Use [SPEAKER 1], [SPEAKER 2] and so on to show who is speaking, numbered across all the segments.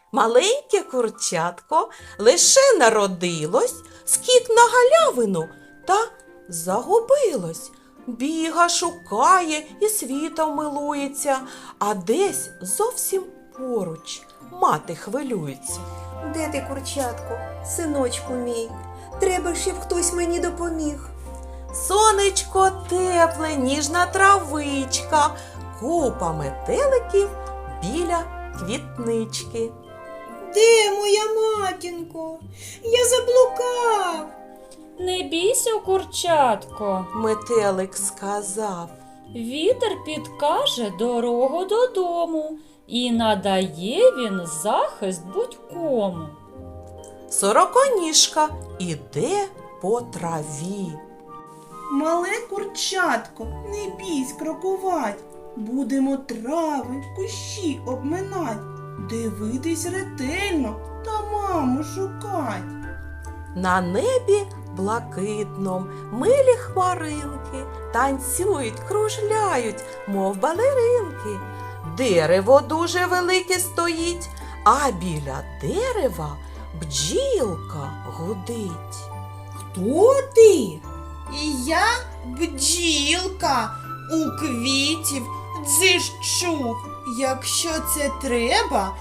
[SPEAKER 1] Маленьке курчатко лише народилось, скік на галявину та загубилось. Біга, шукає і світом милується, а десь зовсім поруч мати хвилюється.
[SPEAKER 2] Де ти, курчатко, синочку мій? Треба, щоб хтось мені допоміг.
[SPEAKER 1] Сонечко тепле, ніжна травичка, купа метеликів біля квітнички.
[SPEAKER 2] Де моя матінко? Я заблукав.
[SPEAKER 3] Не бійся, курчатко,
[SPEAKER 1] Метелик сказав.
[SPEAKER 3] вітер підкаже дорогу додому, і надає він захист будь-кому.
[SPEAKER 1] Сороконіжка іде по траві.
[SPEAKER 4] Мале курчатко, не бійсь крокувать, будемо трави, кущі обминать, дивитись ретельно та маму шукать.
[SPEAKER 1] На небі блакитном милі хмаринки танцюють, кружляють, мов балеринки. Дерево дуже велике стоїть, а біля дерева бджілка гудить.
[SPEAKER 4] Хто ти? І я бджілка, у квітів дзижчу. Якщо це треба,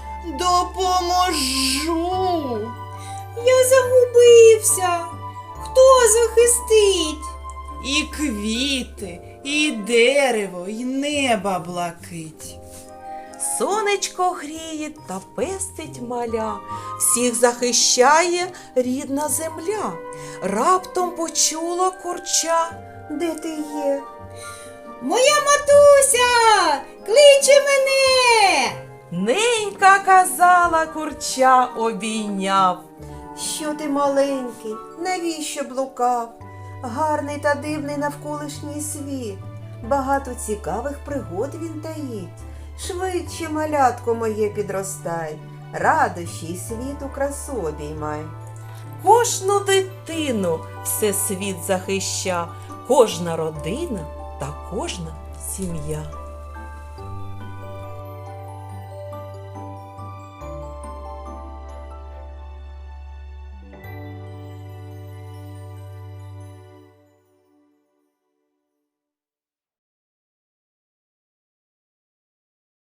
[SPEAKER 4] допоможу.
[SPEAKER 2] Я загубився. Хто захистить?
[SPEAKER 4] І квіти, і дерево, і неба блакить.
[SPEAKER 1] Сонечко гріє та пестить маля, всіх захищає рідна земля. Раптом почула курча.
[SPEAKER 2] Де ти є?
[SPEAKER 4] Моя матуся кличе мене.
[SPEAKER 1] Ненька казала, курча обійняв.
[SPEAKER 2] Що ти маленький? Навіщо блукав? Гарний та дивний навколишній світ. Багато цікавих пригод він таїть. Швидше, малятко моє, підростай, радощі й світу красу обіймай.
[SPEAKER 1] Кожну дитину всесвіт захища, кожна родина та кожна сім'я.